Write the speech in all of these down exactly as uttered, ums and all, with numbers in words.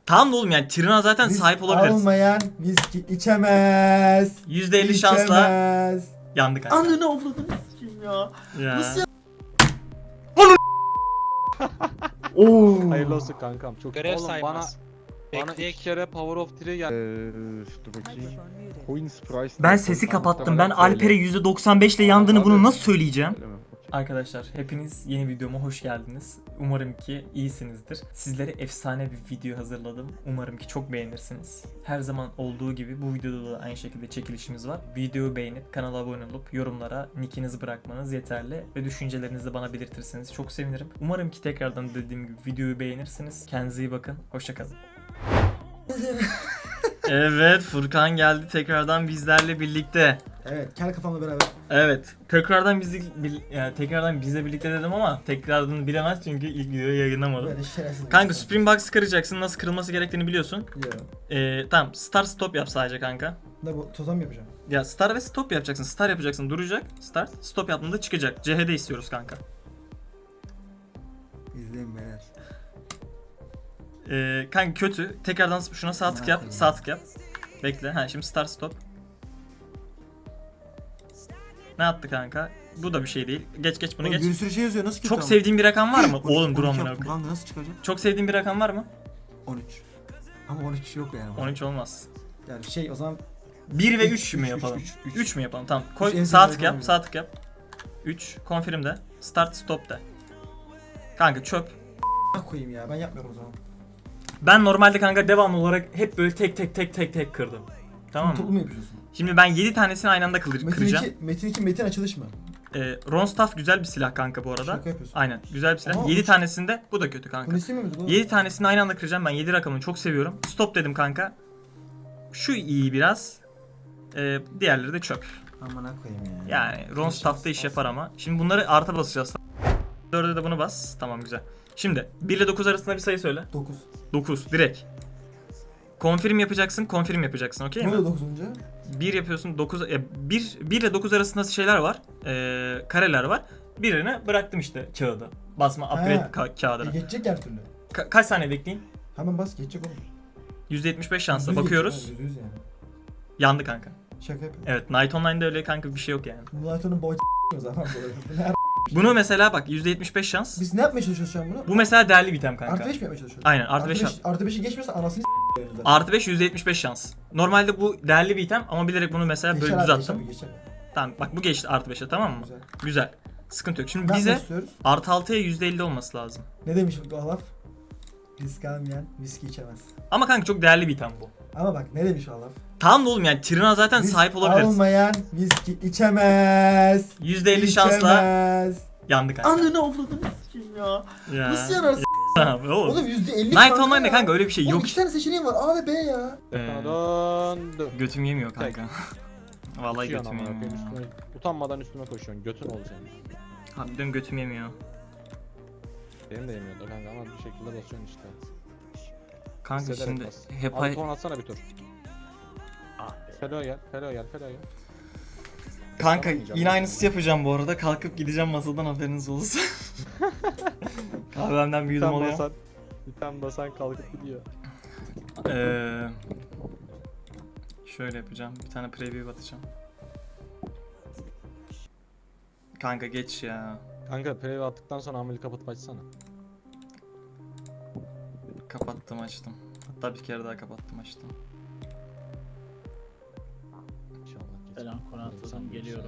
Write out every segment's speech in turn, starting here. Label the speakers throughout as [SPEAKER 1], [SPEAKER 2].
[SPEAKER 1] Tamam da oğlum yani Trina zaten
[SPEAKER 2] Risk
[SPEAKER 1] sahip olabiliriz.
[SPEAKER 2] almayan viski içemez.
[SPEAKER 1] yüzde elli şansla
[SPEAKER 2] İçemez.
[SPEAKER 1] yandık kanka.
[SPEAKER 2] Ananı avradını s**eyim ya.
[SPEAKER 1] Ya.
[SPEAKER 2] Nasıl ya? Oo.
[SPEAKER 3] Hayırlı olsun kankam. Çok
[SPEAKER 4] Görev
[SPEAKER 3] Oğlum bana
[SPEAKER 4] saymaz.
[SPEAKER 3] bana
[SPEAKER 4] Bekleyek.
[SPEAKER 3] iki kere Power of Three geldi.
[SPEAKER 5] Ee, dur bakayım. Coins price.
[SPEAKER 1] Ben sesi kapattım. Ben Alper'e yüzde doksan beş ile yandığını bunu nasıl söyleyeceğim? Arkadaşlar hepiniz yeni videoma hoş geldiniz. Umarım ki iyisinizdir. Sizlere efsane bir video hazırladım. Umarım ki çok beğenirsiniz. Her zaman olduğu gibi bu videoda da aynı şekilde çekilişimiz var. Videoyu beğenip kanala abone olup yorumlara nickinizi bırakmanız yeterli. Ve düşüncelerinizi de bana belirtirseniz çok sevinirim. Umarım ki tekrardan dediğim gibi videoyu beğenirsiniz. Kendinize iyi bakın. Hoşçakalın. Evet, Furkan geldi tekrardan bizlerle birlikte.
[SPEAKER 2] Evet, kel kafamla beraber.
[SPEAKER 1] Evet. Tekrardan bizi bil- yani tekrardan bizle birlikte dedim ama tekrardan bilemez çünkü ilk videoyu yayınlamadım.
[SPEAKER 2] Böyle şerefsiz.
[SPEAKER 1] Kanka Supreme Box kıracaksın. Nasıl kırılması gerektiğini biliyorsun.
[SPEAKER 2] Yo.
[SPEAKER 1] Ee, tamam. Start stop yap sadece kanka.
[SPEAKER 2] Ne bu? Tozan mı yapacağım?
[SPEAKER 1] Ya start ve stop yapacaksın. Start yapacaksın. Duracak. Start. Stop yaptığında çıkacak. C H D istiyoruz kanka.
[SPEAKER 2] İzleyin beyler.
[SPEAKER 1] Ee, kanka kötü. Tekrardan şuna sağ tık yap. Sağ tık yap. Bekle. Ha şimdi start stop. Ne yaptı kanka? Bu da bir şey değil. Geç geç bunu
[SPEAKER 2] Oğlum,
[SPEAKER 1] geç.
[SPEAKER 2] bir sürü şey yazıyor. Nasıl kötü
[SPEAKER 1] Çok
[SPEAKER 2] ama?
[SPEAKER 1] sevdiğin bir rakam var mı? Oğlum dur
[SPEAKER 2] on iki
[SPEAKER 1] amına
[SPEAKER 2] yaptım.
[SPEAKER 1] koyayım.
[SPEAKER 2] Kanka nasıl çıkacak?
[SPEAKER 1] Çok sevdiğin bir rakam var mı?
[SPEAKER 2] on üç. Ama on üç yok yani.
[SPEAKER 1] on üç olmaz.
[SPEAKER 2] Yani şey o zaman
[SPEAKER 1] bir ve
[SPEAKER 2] üç,
[SPEAKER 1] üç mü
[SPEAKER 2] üç,
[SPEAKER 1] yapalım?
[SPEAKER 2] üç, üç, üç.
[SPEAKER 1] üç mü yapalım? Tamam.
[SPEAKER 2] Üç en
[SPEAKER 1] Koy
[SPEAKER 2] sevdiğim
[SPEAKER 1] sağ tık
[SPEAKER 2] rakam
[SPEAKER 1] yap,
[SPEAKER 2] benim.
[SPEAKER 1] sağ tık yap. üç confirm de. Start stop de. Kanka çöp.
[SPEAKER 2] a** koyayım ya. Ben yapmıyorum o zaman.
[SPEAKER 1] Ben normalde kanka devamlı olarak hep böyle tek tek tek tek tek kırdım. Tamam
[SPEAKER 2] Toplu
[SPEAKER 1] mı?
[SPEAKER 2] mu yapıyorsun?
[SPEAKER 1] Şimdi ben yedi tanesini aynı anda kır
[SPEAKER 2] Metin
[SPEAKER 1] kıracağım.
[SPEAKER 2] iki, Metin iki metin açılış mı?
[SPEAKER 1] Ee, Ronstaff güzel bir silah kanka bu arada.
[SPEAKER 2] Şaka yapıyorsun.
[SPEAKER 1] Aynen güzel bir silah.
[SPEAKER 2] Ama
[SPEAKER 1] yedi
[SPEAKER 2] üç-
[SPEAKER 1] tanesinde bu da kötü kanka.
[SPEAKER 2] Bunu istemiyor muydun oğlum?
[SPEAKER 1] yedi tanesini aynı anda kıracağım. Ben yedi rakamını çok seviyorum. Stop dedim kanka. Şu iyi biraz. Ee, diğerleri de çöp.
[SPEAKER 2] Amına koyayım ya.
[SPEAKER 1] Yani Ronstaff'ta iş yapar ama. Şimdi bunları artı basacağız. dörde de bunu bas. Tamam güzel. Şimdi bir ile dokuz arasında bir sayı söyle.
[SPEAKER 2] dokuz.
[SPEAKER 1] dokuz direkt. Confirm yapacaksın, confirm yapacaksın, okey
[SPEAKER 2] Ne
[SPEAKER 1] mi?
[SPEAKER 2] oldu dokuzuncu?
[SPEAKER 1] bir yapıyorsun, dokuz e, bir bir ile dokuz arasında şeyler var. E, kareler var. Birini bıraktım işte kağıdı. Basma upgrade
[SPEAKER 2] Ha.
[SPEAKER 1] ka-
[SPEAKER 2] E,
[SPEAKER 1] kağıdına.
[SPEAKER 2] geçecek her türlü.
[SPEAKER 1] Ka- kaç saniye bekleyin?
[SPEAKER 2] Hemen bas geçecek oğlum.
[SPEAKER 1] yüzde yetmiş beş şansla
[SPEAKER 2] Yüz
[SPEAKER 1] bakıyoruz.
[SPEAKER 2] geçecek, ha, yüz yüz yani.
[SPEAKER 1] Yandı kanka.
[SPEAKER 2] Şaka yapıyorum.
[SPEAKER 1] Evet, Night Online'da öyle kanka bir şey yok yani.
[SPEAKER 2] Mulat'ın boy o zaman böyle. Ne
[SPEAKER 1] Bunu mesela bak yüzde yetmiş beş şans.
[SPEAKER 2] Biz ne yapmaya çalışıyoruz şu an bunu?
[SPEAKER 1] Bu mesela değerli bir item kanka.
[SPEAKER 2] Artı beş mi yapmaya çalışıyoruz?
[SPEAKER 1] Aynen artı beş.
[SPEAKER 2] Artı beşi geçmiyorsa anasını s***yoruz zaten.
[SPEAKER 1] Artı beş yüzde yetmiş beş şans. Normalde bu değerli bir item ama bilerek bunu mesela böyle
[SPEAKER 2] Geçer abi,
[SPEAKER 1] düzelttim.
[SPEAKER 2] geçer, geçer.
[SPEAKER 1] Tamam bak bu geçti artı beşe, tamam mı?
[SPEAKER 2] Güzel.
[SPEAKER 1] Güzel. Sıkıntı yok. Şimdi
[SPEAKER 2] Ne
[SPEAKER 1] bize
[SPEAKER 2] yapmak istiyoruz?
[SPEAKER 1] artı altıya yüzde elli olması lazım.
[SPEAKER 2] Ne demiş bu laf? Risk almayan viski içemez.
[SPEAKER 1] Ama kanka çok değerli bir item bu.
[SPEAKER 2] Ama bak ne demiş o laf?
[SPEAKER 1] Tamam da oğlum yani Trina zaten
[SPEAKER 2] Risk
[SPEAKER 1] sahip olabiliriz.
[SPEAKER 2] almayan viski içemez.
[SPEAKER 1] yüzde elli şansla
[SPEAKER 2] İçemez.
[SPEAKER 1] yandı kanka.
[SPEAKER 2] Ananı avradını s**eyim ya.
[SPEAKER 1] Ya.
[SPEAKER 2] Nasıl yanarsın?
[SPEAKER 1] Tamam oğlum.
[SPEAKER 2] Oğlum yüzde elli
[SPEAKER 1] Night Online'da kanka öyle bir şey
[SPEAKER 2] Oğlum
[SPEAKER 1] yok.
[SPEAKER 2] iki tane seçeneğim var A ve B ya.
[SPEAKER 1] Ee,
[SPEAKER 3] Döndü.
[SPEAKER 1] götüm yemiyor kanka. Vallahi
[SPEAKER 3] Koşuyorsun
[SPEAKER 1] götüm
[SPEAKER 3] amına
[SPEAKER 1] yemiyor.
[SPEAKER 3] koyayım, üstüme- Utanmadan üstüme koşuyorsun. Götün ol senin.
[SPEAKER 1] Harbiden götüm yemiyor.
[SPEAKER 3] Benim de yemiyordu kanka ama bir şekilde basıyorsun işte.
[SPEAKER 1] Kanka
[SPEAKER 3] Hissederek
[SPEAKER 1] şimdi
[SPEAKER 3] bas.
[SPEAKER 1] hep
[SPEAKER 3] Abi ton atsana bir tur. Felo gel, Felo gel, Felo gel.
[SPEAKER 1] Kanka
[SPEAKER 3] Yapamayacağım.
[SPEAKER 1] yine aynısı yapacağım bu arada. Kalkıp gideceğim masadan, haberiniz olsun. Kahvemden bir yudum
[SPEAKER 3] Sen
[SPEAKER 1] oluyor.
[SPEAKER 3] basan, bir tane basan kalkıp gidiyor.
[SPEAKER 1] Ee, şöyle yapacağım. Bir tane preview atacağım. Kanka geç ya.
[SPEAKER 3] Kanka preview attıktan sonra ameli kapatıp açsana.
[SPEAKER 1] Kapattım açtım. Hatta bir kere daha kapattım açtım.
[SPEAKER 3] İnşallah geç.
[SPEAKER 6] Selam Konat'tan geliyorum.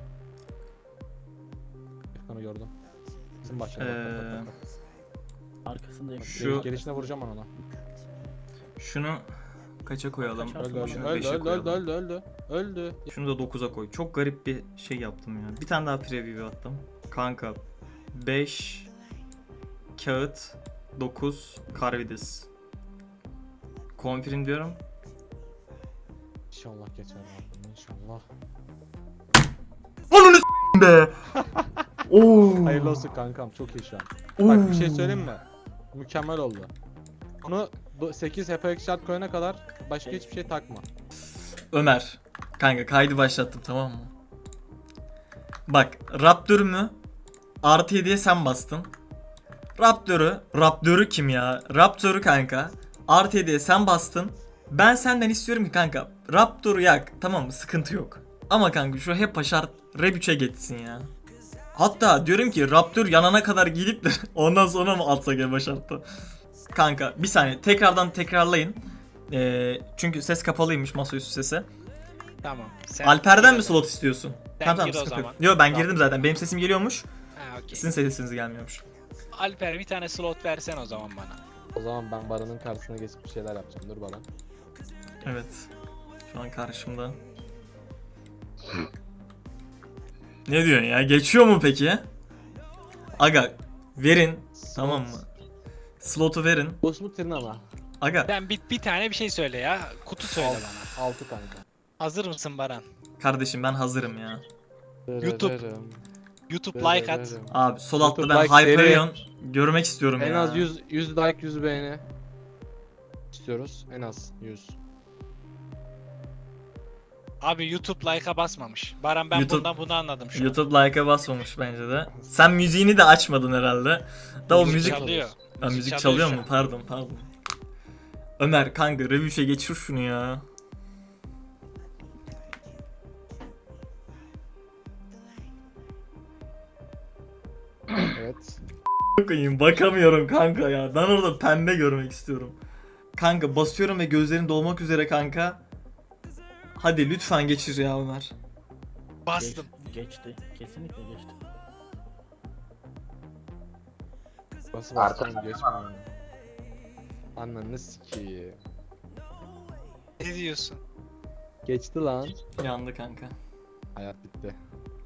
[SPEAKER 3] Efkan'ı gördüm. Bizim bahçede
[SPEAKER 1] Ee,
[SPEAKER 3] bak, bak, bak, bak.
[SPEAKER 6] Arkasındayım.
[SPEAKER 1] Şu-
[SPEAKER 3] Gelişine vuracağım ben ona.
[SPEAKER 1] Şunu kaça koyalım?
[SPEAKER 6] Kaç
[SPEAKER 3] Öldü öldü
[SPEAKER 1] Şunu
[SPEAKER 3] öldü
[SPEAKER 1] beşe
[SPEAKER 3] öldü
[SPEAKER 1] koyalım.
[SPEAKER 3] öldü öldü öldü. Öldü.
[SPEAKER 1] Şunu da dokuza koy. Çok garip bir şey yaptım ya. Bir tane daha preview attım. Kanka beş kağıt, dokuz Karvidis. Confirm diyorum.
[SPEAKER 3] İnşallah geçer abi. İnşallah.
[SPEAKER 1] Ananı s**tim be. Oo.
[SPEAKER 3] Hayırlı olsun kankam, çok iyi şu an.
[SPEAKER 1] Oo.
[SPEAKER 3] Bak bir şey söyleyeyim mi? Mükemmel oldu. Bunu sekiz H P X şart koyana kadar başka hiçbir şey takma.
[SPEAKER 1] Ömer. Kanka kaydı başlattım, tamam mı? Bak Raptor mü? Artı yediye sen bastın. Raptor'u. Raptor'u kim ya? Raptor'u kanka. Artı yediye sen bastın. Ben senden istiyorum ki kanka Raptor'u yak, tamam mı, sıkıntı yok. Ama kanka şu hep şart Rap üçe geçsin ya. Hatta diyorum ki Raptor yanana kadar gidip de ondan sonra mı atsak ya şartta. Kanka bir saniye tekrardan tekrarlayın. Ee, çünkü ses kapalıymış, masaüstü sesi.
[SPEAKER 4] Tamam. Sen
[SPEAKER 1] Alper'den
[SPEAKER 4] gir
[SPEAKER 1] mi
[SPEAKER 4] o zaman.
[SPEAKER 1] slot istiyorsun?
[SPEAKER 4] Sen
[SPEAKER 1] Tamam tamam,
[SPEAKER 4] gir o
[SPEAKER 1] sıkıntı yok.
[SPEAKER 4] zaman.
[SPEAKER 1] Yo ben girdim zaten, benim sesim geliyormuş.
[SPEAKER 4] Ha okey.
[SPEAKER 1] Sizin sesiniz gelmiyormuş.
[SPEAKER 4] Alper bir tane slot versen o zaman bana.
[SPEAKER 3] O zaman ben Baran'ın karşısına geçip bir şeyler yapacağım. Dur Baran.
[SPEAKER 1] Evet. Şu an karşımda. Ne diyorsun ya? Geçiyor mu peki? Aga verin, tamam mı? Slotu verin.
[SPEAKER 3] Boş mu Trina mı?
[SPEAKER 1] Aga
[SPEAKER 4] Sen bir, bir tane bir şey söyle ya. Kutu söyle bana.
[SPEAKER 3] altı kanka.
[SPEAKER 4] Hazır mısın Baran?
[SPEAKER 1] kardeşim ben hazırım ya.
[SPEAKER 4] YouTube. YouTube like at.
[SPEAKER 1] Abi sol altta
[SPEAKER 3] YouTube
[SPEAKER 1] ben
[SPEAKER 3] like seri.
[SPEAKER 1] Hyperion görmek istiyorum
[SPEAKER 3] En
[SPEAKER 1] ya.
[SPEAKER 3] az yüz, yüz like yüz beğeni istiyoruz. En az yüz.
[SPEAKER 4] Abi YouTube like'a basmamış. Baran ben
[SPEAKER 1] YouTube-
[SPEAKER 4] bundan bunu anladım şu an.
[SPEAKER 1] YouTube like'a basmamış bence de. Sen müziğini de açmadın herhalde. Da o
[SPEAKER 4] Müzik
[SPEAKER 1] müzik
[SPEAKER 4] çalıyor.
[SPEAKER 1] Ha, müzik,
[SPEAKER 4] çalıyor
[SPEAKER 1] çalıyor
[SPEAKER 4] şu
[SPEAKER 1] mu?
[SPEAKER 4] an.
[SPEAKER 1] Pardon pardon. Ömer kanka revüşe geçir şunu ya.
[SPEAKER 3] Evet.
[SPEAKER 1] Bakayım bakamıyorum kanka ya. Ben orada pembe görmek istiyorum. Kanka basıyorum ve gözlerin dolmak üzere kanka. Hadi lütfen geçir ya Ömer.
[SPEAKER 4] Bastım.
[SPEAKER 6] Geçti. Kesinlikle geçti.
[SPEAKER 3] Nasıl bastım geçmiyor. Ananı sikiyim.
[SPEAKER 4] Ne diyorsun?
[SPEAKER 3] Geçti lan.
[SPEAKER 1] Yandı kanka.
[SPEAKER 3] Hayat bitti.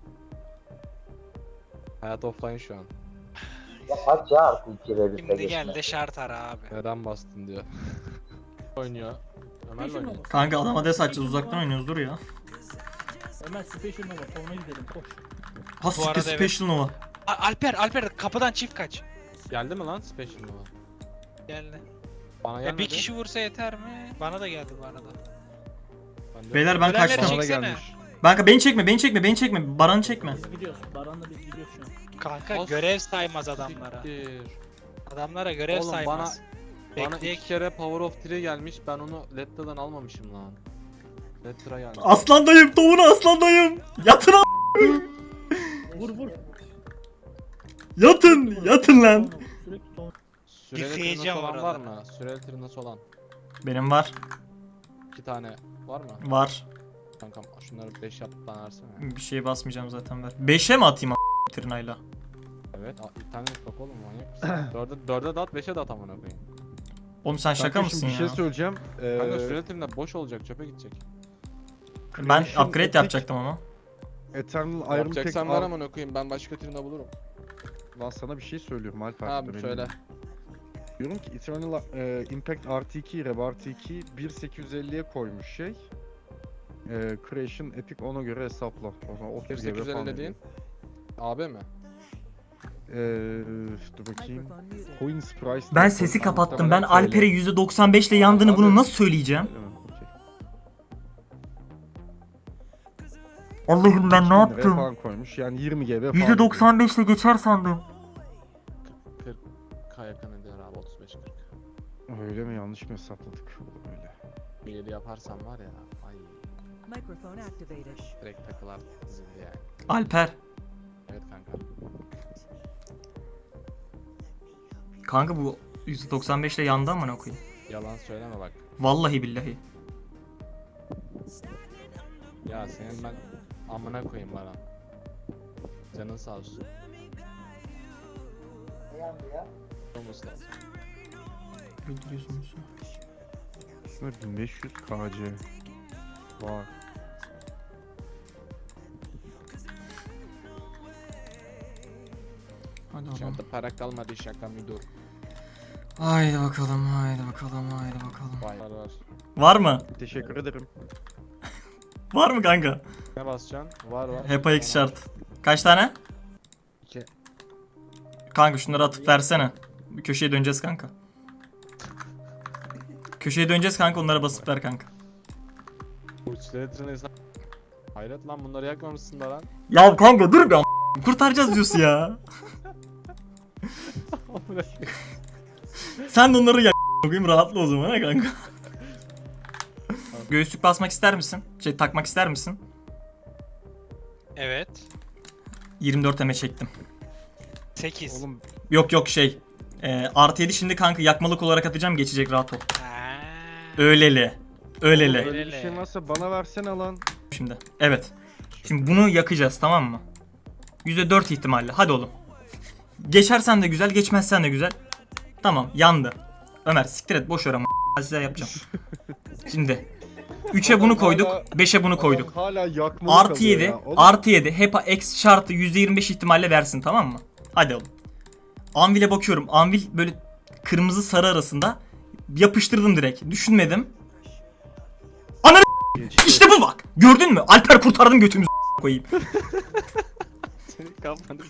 [SPEAKER 3] Hayat offline şu an.
[SPEAKER 7] Ya kaç ya artı iki reviste
[SPEAKER 4] Şimdi
[SPEAKER 7] geçme.
[SPEAKER 4] gel de şart ara abi.
[SPEAKER 3] Neden bastın diyor. Oynuyor. Ömer'le oynuyor.
[SPEAKER 1] Kanka adama des açacağız, uzaktan oynuyoruz, dur ya.
[SPEAKER 6] Ömer Special Nova. Forma gidelim. Koş.
[SPEAKER 1] Ha siktir,
[SPEAKER 4] arada evet.
[SPEAKER 1] Special Nova.
[SPEAKER 4] A- Alper Alper kapıdan çift kaç.
[SPEAKER 3] Geldi mi lan Special Nova?
[SPEAKER 4] Geldi.
[SPEAKER 3] Bana
[SPEAKER 4] Ya
[SPEAKER 3] gelmedi.
[SPEAKER 4] bir kişi vursa yeter mi? Bana da geldi bu arada.
[SPEAKER 3] Ben de-
[SPEAKER 1] Beyler ben
[SPEAKER 4] Ölenleri
[SPEAKER 1] kaçtım.
[SPEAKER 3] Bana da
[SPEAKER 4] çeksene.
[SPEAKER 3] gelmiş.
[SPEAKER 1] Kanka beni çekme, beni çekme, beni çekme. Baran'ı çekme.
[SPEAKER 6] Biz gidiyoruz. Baran'la biz gidiyoruz şu an.
[SPEAKER 4] Kanka
[SPEAKER 3] As-
[SPEAKER 4] görev saymaz adamlara.
[SPEAKER 3] Siktir.
[SPEAKER 4] Adamlara görev
[SPEAKER 3] Oğlum,
[SPEAKER 4] saymaz.
[SPEAKER 3] Bana
[SPEAKER 4] Bekleyek.
[SPEAKER 3] iki kere Power of Three gelmiş. Ben onu Letter'dan almamışım lan. Letter'a gelmiş.
[SPEAKER 1] Aslan dayım, tavuğunu aslan dayım. Yatın a-
[SPEAKER 6] Vur vur.
[SPEAKER 1] Yatın, yatın lan.
[SPEAKER 6] Sürekli ton.
[SPEAKER 3] Süreli
[SPEAKER 4] Yıkayacağım
[SPEAKER 3] tırnası olan var
[SPEAKER 4] orada.
[SPEAKER 3] mı? Süreli tırnası olan.
[SPEAKER 1] Benim var,
[SPEAKER 3] İki tane var mı?
[SPEAKER 1] var.
[SPEAKER 3] Kankam şunları beş yap bana versene.
[SPEAKER 1] Bir şeye basmayacağım zaten, ver. beşe mi atayım a- tırnayla?
[SPEAKER 3] Evet. a- Bir tane bak oğlum manyak mısın? Dörde, dörde de at, beşe de at amına koyayım.
[SPEAKER 1] Oğlum sen şaka
[SPEAKER 5] Kanka
[SPEAKER 1] mısın
[SPEAKER 5] şimdi
[SPEAKER 1] ya?
[SPEAKER 5] bir şey söyleyeceğim.
[SPEAKER 3] Kanka
[SPEAKER 5] Ee,
[SPEAKER 3] süreli tırna boş olacak, çöpe gidecek.
[SPEAKER 1] Ben
[SPEAKER 5] Creation
[SPEAKER 1] upgrade
[SPEAKER 5] Epic,
[SPEAKER 1] yapacaktım ama.
[SPEAKER 5] Eternal Iron Tech
[SPEAKER 3] Yapacaksan ver
[SPEAKER 5] Ar-
[SPEAKER 3] amına koyayım, ben başka tırna bulurum.
[SPEAKER 5] Lan sana bir şey söylüyorum Alper.
[SPEAKER 3] Abi
[SPEAKER 5] dur,
[SPEAKER 3] söyle.
[SPEAKER 5] elimde. Diyorum ki Eternal e, Impact artı iki, Rev artı iki bin sekiz yüz elliye koymuş şey. E, Creation Epic ona göre hesapla. O zaman otuz
[SPEAKER 3] bir sekiz yüz elli dediğin? A B mi?
[SPEAKER 5] Eee dur bakayım. Coins Price.
[SPEAKER 1] Ben sesi kapattım. Ben Alper'e yüzde doksan beş ile yandığını bunu nasıl söyleyeceğim? Allah'ım ben ne yaptım?
[SPEAKER 5] Falan koymuş. Yani yirmi G B falan.
[SPEAKER 1] yüzde doksan beş ile geçer sandım.
[SPEAKER 3] kırk K yakın ediyor abi, otuz beş kırk.
[SPEAKER 5] diyor. Öyle mi, yanlış mı hesapladık? Olur öyle.
[SPEAKER 3] Bir yedi yaparsam var ya, ay
[SPEAKER 8] Microphone activated.
[SPEAKER 3] direkt takılar zildi yani.
[SPEAKER 1] Alper.
[SPEAKER 3] Evet kanka.
[SPEAKER 1] Kanka bu yüzde doksan beş ile yandı ama ne koyayım?
[SPEAKER 3] Yalan söyleme bak.
[SPEAKER 1] Vallahi billahi.
[SPEAKER 3] Ya senin ben amına koyayım bana. Canın sağ olsun.
[SPEAKER 7] Ne yandı ya?
[SPEAKER 3] Olması lazım.
[SPEAKER 1] Öldürüyorsunuz.
[SPEAKER 5] Aslında bin beş yüz K C var.
[SPEAKER 1] Hadi oğlum.
[SPEAKER 3] Şurada para kalmadı, şaka müdür.
[SPEAKER 1] Haydi bakalım, haydi bakalım, haydi bakalım.
[SPEAKER 3] Vay var var.
[SPEAKER 1] Var mı?
[SPEAKER 5] Teşekkür ederim.
[SPEAKER 1] Var mı kanka?
[SPEAKER 3] Ne basacaksın? Var var.
[SPEAKER 1] Hepa X şart. Kaç tane?
[SPEAKER 3] İki.
[SPEAKER 1] Kanka şunları atıp versene. Bir köşeye döneceğiz kanka. Köşeye döneceğiz kanka, onlara basıp ver kanka.
[SPEAKER 3] Burçları tırnağıysa. Hayret lan, bunları yakmamışsın da lan.
[SPEAKER 1] Ya kanka dur bir am- kurtaracağız diyorsun ya. Sen de onları yak Bugün rahatla o zaman ha kanka. Göğüslük basmak ister misin? Şey takmak ister misin?
[SPEAKER 4] Evet.
[SPEAKER 1] yirmi dört eme çektim.
[SPEAKER 4] sekiz.
[SPEAKER 5] Oğlum
[SPEAKER 1] Yok yok şey. E, artı yedi şimdi kanka yakmalık olarak atacağım, geçecek, rahat ol.
[SPEAKER 4] Ha.
[SPEAKER 1] Öyleli. Öyleli.
[SPEAKER 5] böyle bir
[SPEAKER 4] Öyle.
[SPEAKER 5] şey varsa bana versene lan.
[SPEAKER 1] Şimdi. Evet. Şimdi bunu yakacağız, tamam mı? yüzde dört ihtimalle. Hadi oğlum. Geçersen de güzel, geçmezsen de güzel. Tamam, yandı. Ömer siktir et, boş ver ama size yapacağım. Şimdi üçe bunu koyduk, beşe bunu koyduk.
[SPEAKER 5] Adam hala yakmalı
[SPEAKER 1] Artı
[SPEAKER 5] kalıyor
[SPEAKER 1] yedi,
[SPEAKER 5] ya. Oğlum,
[SPEAKER 1] artı yedi. HEPA X şartı yüzde yirmi beş ihtimalle versin, tamam mı? Hadi oğlum. Anvil'e bakıyorum. Anvil böyle kırmızı sarı arasında. Yapıştırdım direkt. Düşünmedim. Ananı işte bu bak. Gördün mü? Alper kurtardım götümüzü koyayım.
[SPEAKER 5] senin kafanı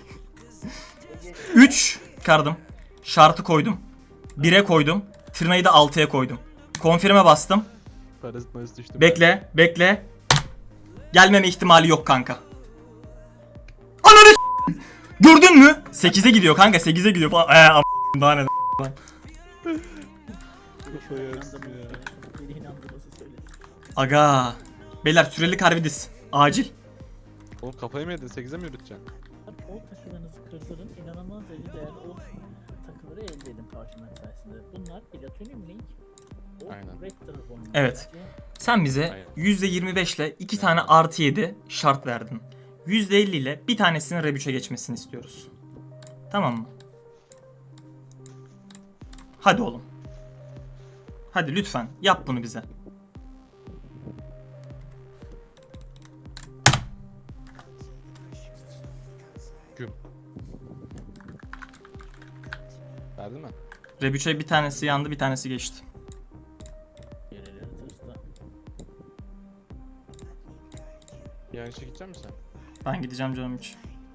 [SPEAKER 1] üç kardım. Şartı koydum. bire koydum. Tırnayı da altıya koydum. Konfirme bastım.
[SPEAKER 3] Parazit mayıs düştü.
[SPEAKER 1] Bekle, bekle. Gelmeme ihtimali yok kanka. Ananı s***! Gördün mü? sekize gidiyor kanka, sekize gidiyor falan. Eee am- daha ne lan.
[SPEAKER 6] Beni inandırması söylesin.
[SPEAKER 1] Aga. Beyler süreli karvidis. Acil.
[SPEAKER 3] Oğlum kafayı mı yedin? sekize mi yürüteceksin?
[SPEAKER 6] O takılarınızı kırdırın. İnanılmaz derecede değerli o takıları elde edin parşömen sayesinde. Bunlar Platinum Link. O
[SPEAKER 3] Aynen.
[SPEAKER 6] Raptor oyunu.
[SPEAKER 1] Evet. Sen bize
[SPEAKER 3] Aynen.
[SPEAKER 1] yüzde yirmi beş ile iki tane artı yedi şart verdin. yüzde elli ile bir tanesinin R üç'e geçmesini istiyoruz. Tamam mı? Hadi oğlum. Hadi lütfen yap bunu bize.
[SPEAKER 3] Güm. Verdin mi?
[SPEAKER 1] R üç'e bir tanesi yandı, bir tanesi geçti.
[SPEAKER 6] Yerleri tırsta.
[SPEAKER 3] Yani işe gidecek misin sen?
[SPEAKER 1] Ben gideceğim canım hiç.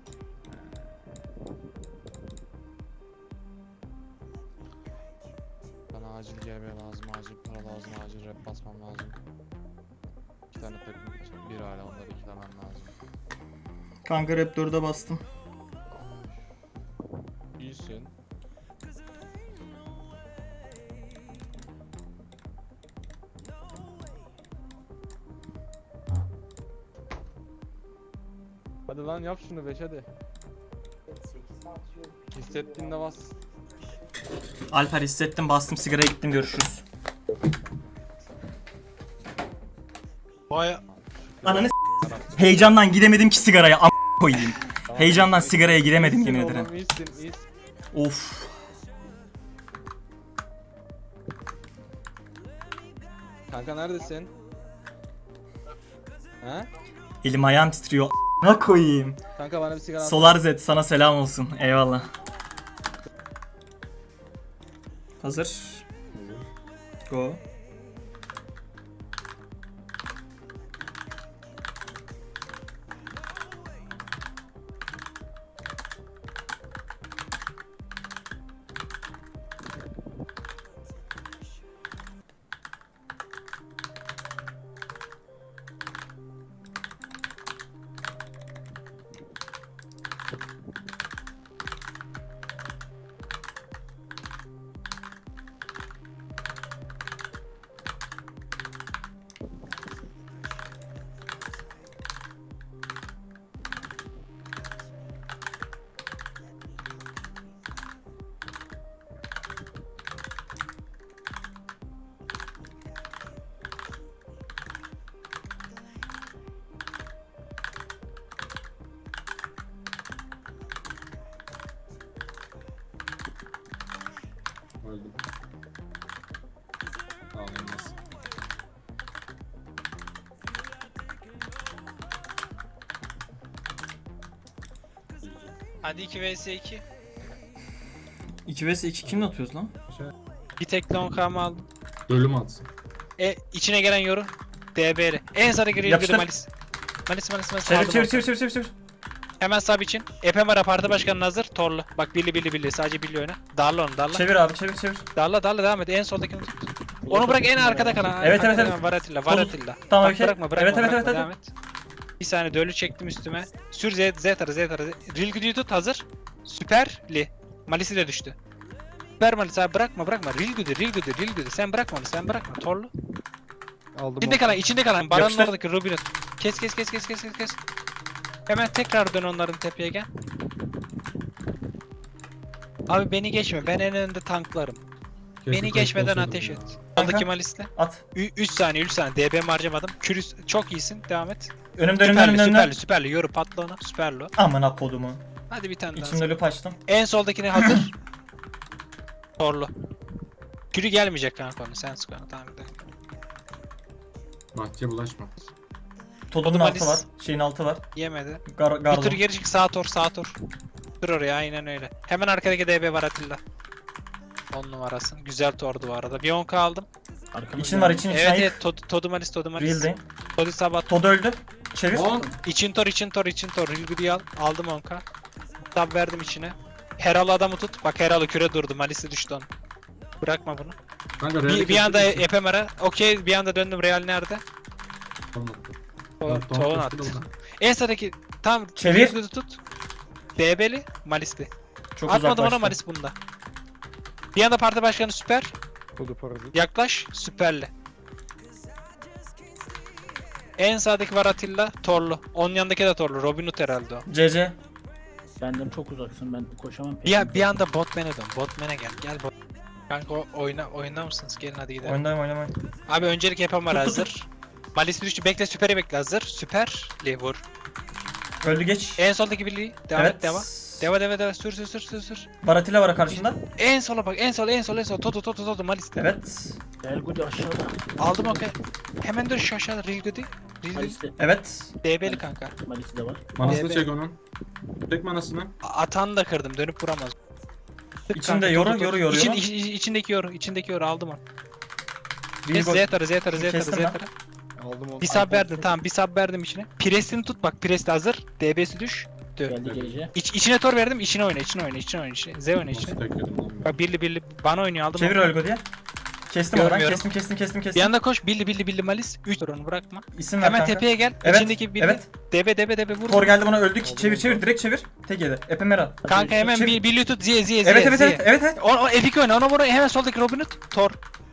[SPEAKER 3] Bana acil G B lazım, acil para lazım, acil rap basmam lazım. İki tane takım için. Bir hala onları ikilemem lazım.
[SPEAKER 1] Kanka Rap dörde bastım.
[SPEAKER 3] İyisin. Hadi lan yap şunu beş hadi. Hissettiğinde bas.
[SPEAKER 1] Alper hissettim, bastım, sigaraya gittim, görüşürüz.
[SPEAKER 4] Vay
[SPEAKER 1] Ananı s- heyecandan gidemedim ki sigaraya, am koyayım. Heyecandan sigaraya giremedim
[SPEAKER 3] İyisin
[SPEAKER 1] yemin
[SPEAKER 3] oğlum,
[SPEAKER 1] ederim.
[SPEAKER 3] iyisin, iyisin.
[SPEAKER 1] Of.
[SPEAKER 3] Kanka neredesin? He?
[SPEAKER 1] Elim ayağım titriyor. Ne koyayım?
[SPEAKER 3] Kanka bana bir sigara al.
[SPEAKER 1] Solar Z sana selam olsun. Eyvallah. Hazır. Go.
[SPEAKER 9] Öldüm. Ağlanmaz.
[SPEAKER 4] Hadi iki vs iki.
[SPEAKER 1] iki vs iki kimle atıyoruz lan?
[SPEAKER 4] Bir tek long arm aldım.
[SPEAKER 9] Ölüm atsın.
[SPEAKER 4] E içine gelen yoru. D B R. En sarı gri
[SPEAKER 1] Yapıştır.
[SPEAKER 4] gri malis. Malis malis malis.
[SPEAKER 1] Çevir
[SPEAKER 4] Aldım
[SPEAKER 1] çevir
[SPEAKER 4] onu.
[SPEAKER 1] çevir çevir çevir çevir.
[SPEAKER 4] Hemen sab için. Epem var parti başkanının hazır. Torlu. Bak birli birli birli. Sadece birli oyna. Darla onu darla.
[SPEAKER 1] Çevir abi, çevir çevir.
[SPEAKER 4] Darla darla devam et. En soldakini tut. Onu bırak en arkada kalan.
[SPEAKER 1] Evet,
[SPEAKER 4] Arkada
[SPEAKER 1] evet, evet.
[SPEAKER 4] kalan Varatilla.
[SPEAKER 1] Sol.
[SPEAKER 4] Varatilla.
[SPEAKER 1] Tamam,
[SPEAKER 4] Bak,
[SPEAKER 1] okey.
[SPEAKER 4] bırakma bırakma
[SPEAKER 1] Evet, evet,
[SPEAKER 4] bırakma.
[SPEAKER 1] evet,
[SPEAKER 4] Devam et. Bir saniye dölü çektim üstüme. Sür Z, Z tarı Z tarı. Real Good'yu tut hazır. Süperli. Malisi de düştü. Süper Malis abi bırakma bırakma. Real good, real good, real good. Sen bırakma onu, sen bırakma. Torlu.
[SPEAKER 5] Aldım
[SPEAKER 4] İçinde
[SPEAKER 5] onu.
[SPEAKER 4] kalan, içinde kalan. Baranın
[SPEAKER 1] Yapıştır.
[SPEAKER 4] oradaki Robin'in. Kes kes kes kes kes kes kes. Hemen tekrar dön onların tepeye gel. Abi beni geçme. Ben en önde tanklarım.
[SPEAKER 9] Keşke
[SPEAKER 4] Beni
[SPEAKER 9] kayıt
[SPEAKER 4] geçmeden
[SPEAKER 9] olsaydım
[SPEAKER 4] ateş
[SPEAKER 9] ya.
[SPEAKER 4] et.
[SPEAKER 1] Kanka.
[SPEAKER 4] Soldaki Malis'le.
[SPEAKER 1] At.
[SPEAKER 4] üç saniye üç saniye. D B'mi harcamadım. Kürüs çok iyisin. Devam et.
[SPEAKER 1] Önümde önümde
[SPEAKER 4] Süperli
[SPEAKER 1] önümde önümde.
[SPEAKER 4] süperli süperli. Yoru patla ona. Süperli o.
[SPEAKER 1] Amına kodumu.
[SPEAKER 4] Hadi bir tane daha.
[SPEAKER 1] İçimde lüp açtım.
[SPEAKER 4] En soldakine hazır. Torlu. Kürü gelmeyecek kanka onu. Sen sık onu. Tamam bir dakika.
[SPEAKER 9] Bahçeye bulaşma.
[SPEAKER 1] Todunun
[SPEAKER 4] Malis-
[SPEAKER 1] altı var. Şeyin altı var.
[SPEAKER 4] Yemedi.
[SPEAKER 1] Gar
[SPEAKER 4] Bir
[SPEAKER 1] garlo.
[SPEAKER 4] tur geri çık. Sağ tor sağ tor. Dur oraya aynen öyle. Hemen arkadaki D B var Atilla. on numarasın. Güzel tordu bu arada. Bir on K aldım.
[SPEAKER 6] Arkamızda
[SPEAKER 1] İçin var için için
[SPEAKER 4] Evet
[SPEAKER 1] ayık.
[SPEAKER 4] evet. Tod Todumalis Todumalis.
[SPEAKER 1] Real'deyim.
[SPEAKER 4] Todi Sabat.
[SPEAKER 1] Todu öldü. Çevir.
[SPEAKER 9] On.
[SPEAKER 4] İçin tor için tor için tor. Rilgudi'yi al. Aldım on K. Tab verdim içine. Heral'ı adamı tut. Bak Heral'ı küre durdu. Malis'i düştü onun. Bırakma bunu.
[SPEAKER 9] Kanka
[SPEAKER 4] Bir,
[SPEAKER 9] Real'i
[SPEAKER 4] bir anda
[SPEAKER 9] kesebilirsin.
[SPEAKER 4] Ephemer'a. Okey bir anda döndüm. Real nerede?
[SPEAKER 9] Tamam, attım.
[SPEAKER 4] To
[SPEAKER 9] Evet, tamam,
[SPEAKER 4] Toğun
[SPEAKER 9] kaçtı
[SPEAKER 4] attı.
[SPEAKER 9] oradan.
[SPEAKER 4] En sağdaki tam
[SPEAKER 1] Çevir.
[SPEAKER 4] Rilgudi'yi tut. D B'li Malis'li.
[SPEAKER 1] Çok
[SPEAKER 4] Atmadım ona
[SPEAKER 1] uzaklaştı.
[SPEAKER 4] Malis bunda. Bir anda parti başkanı süper.
[SPEAKER 5] Kodu parazit.
[SPEAKER 4] Yaklaş süperli. En sağdaki var Atilla. Torlu. Onun yanındaki de Torlu. Robin Hood herhalde o.
[SPEAKER 1] C C.
[SPEAKER 6] Benden çok uzaksın, ben koşamam.
[SPEAKER 4] Bir, bir anda botman'e dön. Botman'e gel. Gel bot. Kanka o- oyna oynar mısınız? Gelin hadi gidelim.
[SPEAKER 1] Oyundayım oynamayın.
[SPEAKER 4] Abi öncelik yapan var
[SPEAKER 1] Tut, tut,
[SPEAKER 4] hazır. Malis düştü. Bekle süperi bekle hazır. Süperli vur.
[SPEAKER 1] Öldü geç.
[SPEAKER 4] En soldaki birliği. Devam
[SPEAKER 1] Evet.
[SPEAKER 4] et devam. Deva deva deva sür sür sür sür sür.
[SPEAKER 1] Baratilla var karşında.
[SPEAKER 4] En sola bak en sola en sola en sola. Toto toto toto Malis.
[SPEAKER 1] Evet.
[SPEAKER 6] Elgudi aşağıda.
[SPEAKER 4] Aldım okey. Hemen dön şu aşağıda Real Goody. Real Goody.
[SPEAKER 6] Malis'te.
[SPEAKER 1] Evet.
[SPEAKER 4] D B'li kanka.
[SPEAKER 6] Malis'te de var.
[SPEAKER 9] Manasını
[SPEAKER 4] Evet.
[SPEAKER 9] çek onun. Çek manasını.
[SPEAKER 4] Atanı da kırdım dönüp vuramaz. Tık
[SPEAKER 1] İçinde
[SPEAKER 4] kanka,
[SPEAKER 1] yoru,
[SPEAKER 4] tut, tut.
[SPEAKER 1] yoru, yoru,
[SPEAKER 4] İçin,
[SPEAKER 1] yoru.
[SPEAKER 4] iç- iç- içindeki yoru, içindeki yoru aldım onu.
[SPEAKER 1] Bir
[SPEAKER 4] Kes
[SPEAKER 1] gol.
[SPEAKER 4] Z tarı, Z tarı, Z tarı, Z
[SPEAKER 1] Kestim ben.
[SPEAKER 4] tarı.
[SPEAKER 5] Aldım onu.
[SPEAKER 4] Bir sub verdim, tamam bir sub verdim içine. Presini tut bak, pres de hazır. D B'si düş.
[SPEAKER 6] Geldi gece.
[SPEAKER 4] İç, içine tor verdim, içine oyna, içine oyna, içine oyna, içine. Z oyna
[SPEAKER 9] Nasıl
[SPEAKER 4] içine.
[SPEAKER 9] tek yedim lan ben?
[SPEAKER 4] Bak birli birli bana oynuyor aldım.
[SPEAKER 1] Çevir
[SPEAKER 4] onu.
[SPEAKER 1] Ölgo diye. Kestim oradan.
[SPEAKER 4] Görmüyorum.
[SPEAKER 1] Kestim kestim kestim
[SPEAKER 4] Bir
[SPEAKER 1] kestim.
[SPEAKER 4] yanda koş, birli birli birli malis. üç tur onu bırakma.
[SPEAKER 1] İsim ver
[SPEAKER 4] Hemen
[SPEAKER 1] kanka.
[SPEAKER 4] tepeye gel.
[SPEAKER 1] Evet,
[SPEAKER 4] İçindeki birli.
[SPEAKER 1] evet.
[SPEAKER 4] D B D B D B vur.
[SPEAKER 1] Tor geldi bana öldük.
[SPEAKER 5] Oldu,
[SPEAKER 1] Çevir
[SPEAKER 5] oldu.
[SPEAKER 1] çevir direkt çevir. Tek yedi. Epemera.
[SPEAKER 4] Kanka hemen
[SPEAKER 1] Çevir.
[SPEAKER 4] bir birli tut, Z Z Z.
[SPEAKER 1] Evet evet
[SPEAKER 4] Z.
[SPEAKER 1] evet evet evet.
[SPEAKER 4] O, o epik oyna, ona vur. Hemen soldaki Robin Hood. Tor.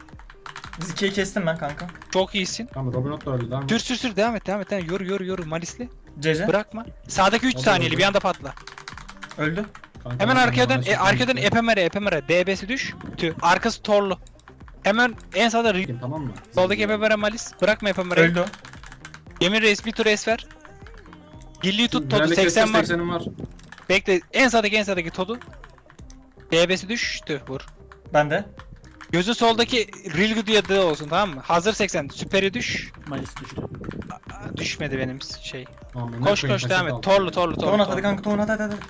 [SPEAKER 1] Biz ikiyi kestim ben kanka.
[SPEAKER 4] Çok iyisin.
[SPEAKER 9] Tamam Robin Hood da öldü lan.
[SPEAKER 4] Sür sür sür devam et devam et. Devam. et. Yoru yoru yoru malisli.
[SPEAKER 1] C C.
[SPEAKER 4] Bırakma. Sağdaki üç
[SPEAKER 9] O da
[SPEAKER 4] saniyeli
[SPEAKER 9] öldü.
[SPEAKER 4] bir anda patla.
[SPEAKER 1] Öldü.
[SPEAKER 9] Kanka,
[SPEAKER 4] Hemen
[SPEAKER 9] ben
[SPEAKER 4] arkaya dön.
[SPEAKER 9] bana
[SPEAKER 4] E, arkaya dön
[SPEAKER 9] çektim.
[SPEAKER 4] epemere epemere. D B'si düş. Tü. Arkası torlu. Hemen en sağda Ri-
[SPEAKER 9] Tamam mı?
[SPEAKER 4] soldaki epemere malis. Bırakma epemereyi.
[SPEAKER 1] Öldü o.
[SPEAKER 4] Yemin reis bir tur es ver. Birliği tut Todu
[SPEAKER 9] Real'i
[SPEAKER 4] seksen
[SPEAKER 9] kestim,
[SPEAKER 4] var.
[SPEAKER 9] seksenim var.
[SPEAKER 4] Bekle. En sağdaki en sağdaki Todu. D B'si düştü. Vur.
[SPEAKER 1] Ben de.
[SPEAKER 4] Gözün soldaki Rilgu diye de olsun tamam mı? Hazır seksen. Süperi düş.
[SPEAKER 6] Malis düştü.
[SPEAKER 4] Aa, düşmedi benim şey.
[SPEAKER 9] Tamam, ben
[SPEAKER 4] Koş
[SPEAKER 9] koyayım,
[SPEAKER 4] koş devam
[SPEAKER 9] kaçak
[SPEAKER 4] et.
[SPEAKER 9] aldım.
[SPEAKER 4] Torlu torlu torlu.
[SPEAKER 1] Tohun at hadi
[SPEAKER 4] torlu.
[SPEAKER 1] kanka tohun hadi hadi hadi.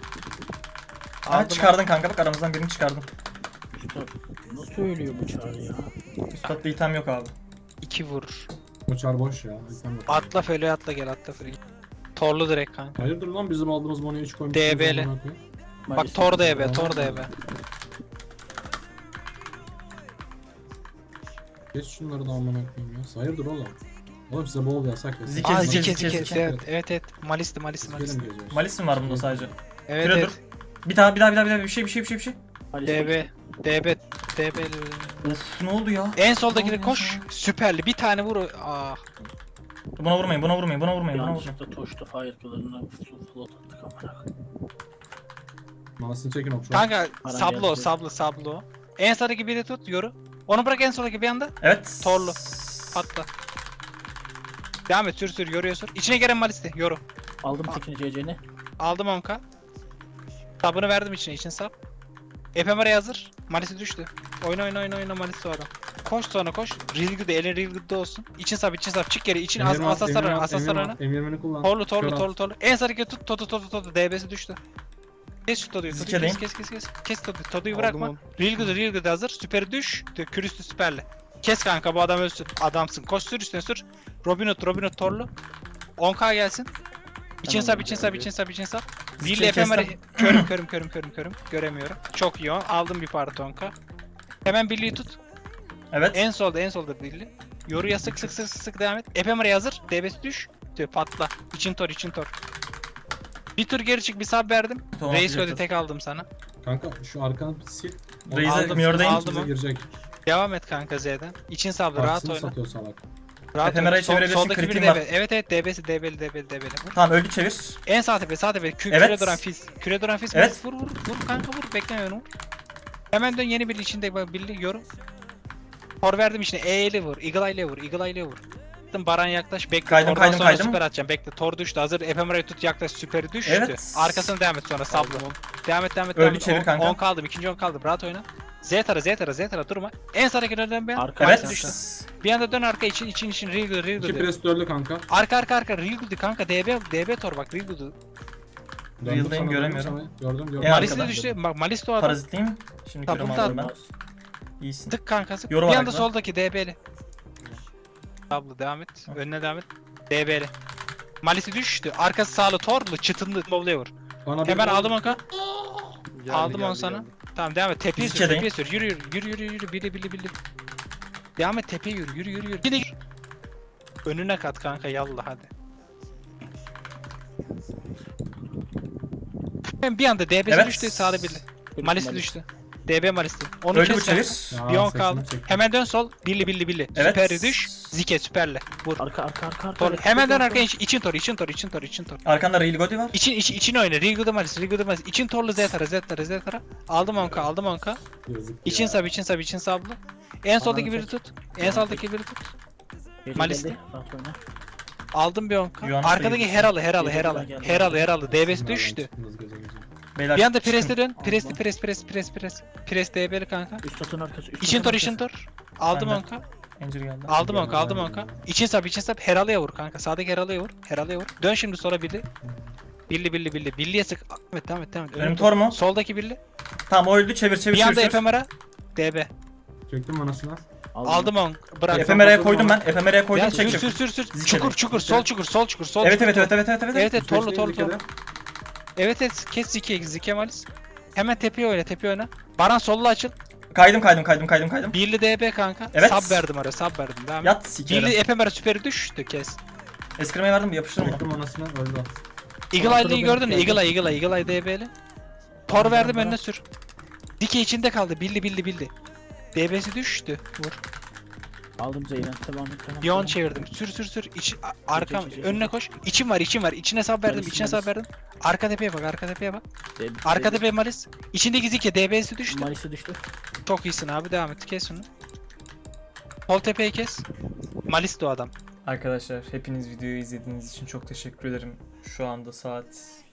[SPEAKER 1] Ha
[SPEAKER 4] Aldım
[SPEAKER 1] çıkardın kanka bak aramızdan birini çıkardın.
[SPEAKER 6] Üstad nasıl ölüyor bu çağrı ya?
[SPEAKER 1] Üstad'da item yok abi.
[SPEAKER 4] İki vur.
[SPEAKER 9] Uçar boş ya. Sen bak.
[SPEAKER 4] Atla föle atla gel atla föle. Torlu direkt kanka.
[SPEAKER 9] Hayırdır lan bizim aldığımız monoyu üç koymuşsunuz.
[SPEAKER 4] D B'li.
[SPEAKER 9] amına koyayım.
[SPEAKER 4] Bak
[SPEAKER 6] Malis
[SPEAKER 4] Tor da
[SPEAKER 6] düştü.
[SPEAKER 4] ebe, Tor da ebe.
[SPEAKER 9] Geç şunları da amına koyayım ya. Hayırdır oğlum? Oğlum size bol yasak ya.
[SPEAKER 1] Zike,
[SPEAKER 4] Aa
[SPEAKER 1] zike,
[SPEAKER 4] zike
[SPEAKER 1] zike,
[SPEAKER 4] zike.
[SPEAKER 1] zike.
[SPEAKER 4] Evet evet evet. Malisti malisti
[SPEAKER 9] Sikerim
[SPEAKER 4] malisti.
[SPEAKER 9] geziyoruz.
[SPEAKER 1] Malis mi var bunda sadece?
[SPEAKER 4] Evet
[SPEAKER 1] Küre
[SPEAKER 4] evet.
[SPEAKER 1] dur. Bir daha bir daha bir daha bir daha bir şey bir şey bir şey bir şey.
[SPEAKER 6] Malis
[SPEAKER 4] D B. D B. D B.
[SPEAKER 1] Of ne oldu ya?
[SPEAKER 4] En soldakini
[SPEAKER 1] Ne
[SPEAKER 4] koş.
[SPEAKER 1] oldu
[SPEAKER 4] Süperli. Bir tane vur. Ah.
[SPEAKER 1] Buna vurmayın buna vurmayın buna vurmayın buna vurmayın.
[SPEAKER 6] Yanlışlıkla toşta fire kıllarına float attık amına koyayım.
[SPEAKER 9] Manasını çekin okşu.
[SPEAKER 4] Kanka
[SPEAKER 6] Paran
[SPEAKER 4] sablo
[SPEAKER 6] geldi.
[SPEAKER 4] sablo sablo. En sağdaki biri tut yoru. Onu bırak en soldaki bir anda.
[SPEAKER 1] Evet.
[SPEAKER 4] Torlu. Patla. Devam et sür sür yoruyor sür. İçine gelen malisti yoru.
[SPEAKER 6] Aldım tekini C C'ni.
[SPEAKER 4] Aldım onka. Sabını verdim içine için sap. Ephemera'ya hazır. Malisi düştü. Oyna oyna oyna oyna Malisi o adam. Koş sonra koş. Real good elin real good'da olsun. İçin sap için sap çık geri için as asaslar oyna asaslar oyna.
[SPEAKER 9] Emirmeni kullan.
[SPEAKER 4] Torlu torlu
[SPEAKER 9] Kör
[SPEAKER 4] torlu torlu. En sarıya tut totu totu totu D B'si düştü. Kes şu Todu'yu. Todu'yu
[SPEAKER 1] Zike'deyim.
[SPEAKER 4] kes kes kes kes. Kes Todu'yu. Todu'yu
[SPEAKER 5] Aldım
[SPEAKER 4] bırakma.
[SPEAKER 5] onu.
[SPEAKER 4] Real good real good hazır. Süperi düş. Kürüstü süperle. Kes kanka bu adam ölsün. Adamsın. Koş sür üstüne sür. Robin Hood Robin Hood torlu. on K gelsin. İçin
[SPEAKER 6] Tamam,
[SPEAKER 4] sap için sap
[SPEAKER 5] geldi.
[SPEAKER 4] için sap için sap.
[SPEAKER 1] Zike'yi
[SPEAKER 4] Zilli efemeri
[SPEAKER 1] kestim.
[SPEAKER 4] körüm körüm körüm körüm körüm. Göremiyorum. Çok iyi o. Aldım bir parti on K. Hemen birliği tut.
[SPEAKER 1] Evet.
[SPEAKER 4] En solda en solda birliği. Yoruya sık sık sık sık sık devam et. Efemeri hazır. D B'si düş. Tüh, patla. İçin tor için tor. Bir tur geri çık bir sub verdim.
[SPEAKER 1] Tamam,
[SPEAKER 4] Reis
[SPEAKER 1] atacak
[SPEAKER 4] öde tek aldım sana.
[SPEAKER 9] Kanka şu arkanı sil.
[SPEAKER 1] Reis'e
[SPEAKER 4] Aldım,
[SPEAKER 1] Mior'dayım.
[SPEAKER 4] aldım.
[SPEAKER 9] Bize girecek.
[SPEAKER 4] Devam et kanka Z'den. İçin sablı rahat
[SPEAKER 9] Partisini
[SPEAKER 4] oyna.
[SPEAKER 9] satıyor salak.
[SPEAKER 4] Rahat
[SPEAKER 1] Efemera'yı
[SPEAKER 4] oyna. Sol-
[SPEAKER 1] çevirebilirsin,
[SPEAKER 4] soldaki
[SPEAKER 1] kritiğim
[SPEAKER 4] biri
[SPEAKER 1] var.
[SPEAKER 4] D B. Evet evet D B'si D B'li D B'li D B'li.
[SPEAKER 1] Tamam öldü çevir.
[SPEAKER 4] En sağ tepe sağ tepe. Kü
[SPEAKER 1] Evet.
[SPEAKER 4] Küre duran fiz. Küre duran fiz.
[SPEAKER 1] Evet.
[SPEAKER 4] Vur vur vur kanka vur. Bekleme onu. Hemen dön yeni bir içinde bak birli yorum. Tor verdim içine. E ile vur. Eagle Eye'le vur. Eagle Eye'le vur. Baran yaklaş bekle.
[SPEAKER 1] Kaydım,
[SPEAKER 4] Tordan
[SPEAKER 1] kaydım,
[SPEAKER 4] sonra
[SPEAKER 1] kaydım.
[SPEAKER 4] süper atacağım. Bekle. Tor düştü. Hazır. Efemera'yı tut yaklaş. Süperi düştü.
[SPEAKER 1] Evet.
[SPEAKER 4] Arkasına devam et sonra sablı. Devam et devam et.
[SPEAKER 1] Öldü,
[SPEAKER 4] devam et.
[SPEAKER 1] çevir
[SPEAKER 4] On-
[SPEAKER 1] kanka.
[SPEAKER 4] on kaldım. İkinci on kaldı. Rahat oyna. Z tara Z tara Z tara durma. En sağdaki dön bir an.
[SPEAKER 6] Arka
[SPEAKER 1] Evet.
[SPEAKER 4] Marisi düştü. Bir anda dön arka için için için real good real
[SPEAKER 9] İki
[SPEAKER 4] good.
[SPEAKER 9] pres dördü kanka.
[SPEAKER 4] Arka arka arka real good kanka D B D B tor bak real good.
[SPEAKER 9] Döndüm
[SPEAKER 1] Real'dayım,
[SPEAKER 9] sana,
[SPEAKER 1] göremiyorum.
[SPEAKER 9] döndüm sana. Gördüm gördüm.
[SPEAKER 1] En
[SPEAKER 4] Malis de
[SPEAKER 1] arkadan.
[SPEAKER 4] düştü. Bak Malis de o adam.
[SPEAKER 1] Parazitliyim. Şimdi
[SPEAKER 4] Tamam,
[SPEAKER 1] kürümü
[SPEAKER 4] bunu
[SPEAKER 1] aldım ben.
[SPEAKER 6] Olmaz.
[SPEAKER 1] İyisin.
[SPEAKER 4] Tık kankası.
[SPEAKER 1] Yorum
[SPEAKER 4] bir
[SPEAKER 1] var
[SPEAKER 4] anda
[SPEAKER 1] arkadan.
[SPEAKER 4] soldaki D B'li. Abla devam et.
[SPEAKER 1] Tamam.
[SPEAKER 4] Önüne devam et. D B'li. Malisi düştü. Arkası sağlı torlu çıtınlı bowl'e vur.
[SPEAKER 9] Bana bir
[SPEAKER 4] Hemen
[SPEAKER 9] gol-
[SPEAKER 4] aldım onka.
[SPEAKER 5] Geldi,
[SPEAKER 4] Aldım onu
[SPEAKER 5] geldi,
[SPEAKER 4] sana.
[SPEAKER 5] geldi.
[SPEAKER 4] Tamam devam et. Tepeye
[SPEAKER 1] Biz
[SPEAKER 4] sür.
[SPEAKER 1] içerideyim.
[SPEAKER 4] Tepeye sür. Yürü yürü yürü yürü yürü. Bili bili bili. Devam et tepeye yürü yürü yürü yürü. Yine yürü. Önüne kat kanka yallah hadi. Ben bir anda D B'si
[SPEAKER 1] Evet.
[SPEAKER 4] düştü sağda bili. Malisi
[SPEAKER 6] Malis.
[SPEAKER 4] düştü. D B Malisi. Onu
[SPEAKER 1] Öldü bu
[SPEAKER 4] kes
[SPEAKER 1] çevir.
[SPEAKER 4] kanka.
[SPEAKER 9] Ya,
[SPEAKER 4] Bir on
[SPEAKER 9] sesini
[SPEAKER 4] kaldı.
[SPEAKER 9] çektim.
[SPEAKER 4] Hemen dön sol. Billi billi billi.
[SPEAKER 1] Evet.
[SPEAKER 4] Süperi düş. Zike süperle. Vur.
[SPEAKER 6] Arka arka arka arka.
[SPEAKER 4] Tor.
[SPEAKER 6] arka,
[SPEAKER 4] Hemen dön
[SPEAKER 6] arka,
[SPEAKER 4] arkaya iç, için tor, için tor, için tor, için tor.
[SPEAKER 1] Arkanda Real Godi var.
[SPEAKER 4] İçin içi için oyna. Riggle Malis, Riggle Malis. İçin torlu Z tara, Z tara, Z tara. Aldım onka, aldım onka.
[SPEAKER 9] Yazık
[SPEAKER 4] İçin
[SPEAKER 9] ya.
[SPEAKER 4] sab, için sab, için sablı. En soldaki
[SPEAKER 6] Ananı
[SPEAKER 4] biri
[SPEAKER 6] tek.
[SPEAKER 4] tut. En soldaki biri tut.
[SPEAKER 6] Belli,
[SPEAKER 4] Malis.
[SPEAKER 6] belli. Rahat oyna.
[SPEAKER 4] Aldım bir onka.
[SPEAKER 1] Yuhanna
[SPEAKER 4] Arkadaki
[SPEAKER 1] sayılır.
[SPEAKER 4] Heralı, Heralı,
[SPEAKER 6] Geri
[SPEAKER 4] Heralı.
[SPEAKER 6] geldi.
[SPEAKER 4] Heralı, Heralı. D B'si
[SPEAKER 9] Nereden
[SPEAKER 4] düştü.
[SPEAKER 9] çıktınız gece gece?
[SPEAKER 1] Beyler
[SPEAKER 4] Bir anda
[SPEAKER 1] çıkın.
[SPEAKER 4] presle dön. Presli,
[SPEAKER 6] Allah.
[SPEAKER 4] pres, pres, pres, pres. Pres D B'li kanka.
[SPEAKER 6] Üst atın arkası. Üst
[SPEAKER 4] İçin
[SPEAKER 6] atın
[SPEAKER 4] tor, için
[SPEAKER 6] arkası.
[SPEAKER 4] tor. Aldım
[SPEAKER 1] Ben de.
[SPEAKER 4] onka.
[SPEAKER 1] Angel geldi.
[SPEAKER 4] Aldım onka,
[SPEAKER 9] Geldi,
[SPEAKER 4] aldım
[SPEAKER 9] geldi,
[SPEAKER 4] onka.
[SPEAKER 9] geldi.
[SPEAKER 4] İçin sap, için sap. Heralı'ya vur kanka. Sağdaki Heralı'ya vur. Heralı'ya vur. Dön şimdi sola birli. Birli, birli, birli. Birliye sık. Evet, tamam, evet, tamam.
[SPEAKER 1] Benim tor mu?
[SPEAKER 4] Soldaki birli.
[SPEAKER 1] Tamam o öldü çevir çevir
[SPEAKER 4] Bir anda
[SPEAKER 1] çevir.
[SPEAKER 4] efemera. D B.
[SPEAKER 9] Çektim anasına.
[SPEAKER 4] Aldım on. Bırak.
[SPEAKER 1] Efemera'ya koydum ben. Efemera'ya koydum
[SPEAKER 4] Ya
[SPEAKER 1] çek
[SPEAKER 4] sür
[SPEAKER 1] çek.
[SPEAKER 4] sür sür sür.
[SPEAKER 1] Zikere.
[SPEAKER 4] Çukur çukur sol çukur sol çukur sol
[SPEAKER 1] Evet
[SPEAKER 4] çukur.
[SPEAKER 1] evet evet evet evet evet.
[SPEAKER 4] Evet evet torlu
[SPEAKER 9] Beşteyim
[SPEAKER 4] torlu
[SPEAKER 9] bir kere.
[SPEAKER 4] torlu. Evet evet kes Zike Zike Malis. Hemen tepeye oyna tepeye oyna. Baran solla açıl.
[SPEAKER 1] Kaydım kaydım kaydım kaydım kaydım.
[SPEAKER 4] Birli D B kanka.
[SPEAKER 1] Evet.
[SPEAKER 4] Sub verdim araya sub verdim. Devam et.
[SPEAKER 1] Yat
[SPEAKER 4] Birli
[SPEAKER 1] sikerim.
[SPEAKER 4] efemera süperi düştü kes.
[SPEAKER 1] Eskrimeye verdim yapıştırma.
[SPEAKER 9] Çektim anasına öldü.
[SPEAKER 4] Eagle
[SPEAKER 9] Sonra
[SPEAKER 4] Eye'liyi
[SPEAKER 9] benim
[SPEAKER 4] gördün mü?
[SPEAKER 9] geldi.
[SPEAKER 4] Eagle Eye Eagle Eye Eagle Eye D B'li. Tor verdim önüne sür. Dike içinde kaldı. Billi billi billi. D B'si düştü. Vur.
[SPEAKER 6] Aldım Zeyren. Devam et. Devam et,
[SPEAKER 4] Bir on
[SPEAKER 6] devam et.
[SPEAKER 4] çevirdim. Sür sür sür. İç, a- arkam.
[SPEAKER 6] çek, çek,
[SPEAKER 4] Önüne
[SPEAKER 6] çek.
[SPEAKER 4] koş. İçim var içim var. İçine sub verdim.
[SPEAKER 6] Malis,
[SPEAKER 4] içine sub
[SPEAKER 6] Malis.
[SPEAKER 4] verdim. Arka tepeye bak. Arka tepeye bak.
[SPEAKER 6] De-
[SPEAKER 4] Arka
[SPEAKER 6] de-
[SPEAKER 4] tepe Malis. İçindeki Zike D B'si düştü.
[SPEAKER 6] Malis'i düştü.
[SPEAKER 4] Çok iyisin abi. Devam et. Kes onu. Sol tepeyi kes. Malis de o adam.
[SPEAKER 1] Arkadaşlar hepiniz videoyu izlediğiniz için çok teşekkür ederim. Şu anda saat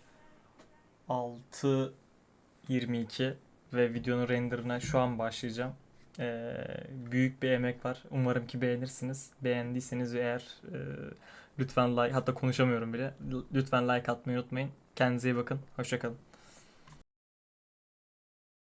[SPEAKER 1] altı yirmi iki ve videonun renderına şu an başlayacağım. Ee, büyük bir emek var. Umarım ki beğenirsiniz. Beğendiyseniz eğer e, lütfen like, hatta konuşamıyorum bile. Lütfen like atmayı unutmayın. Kendinize iyi bakın. Hoşça kalın.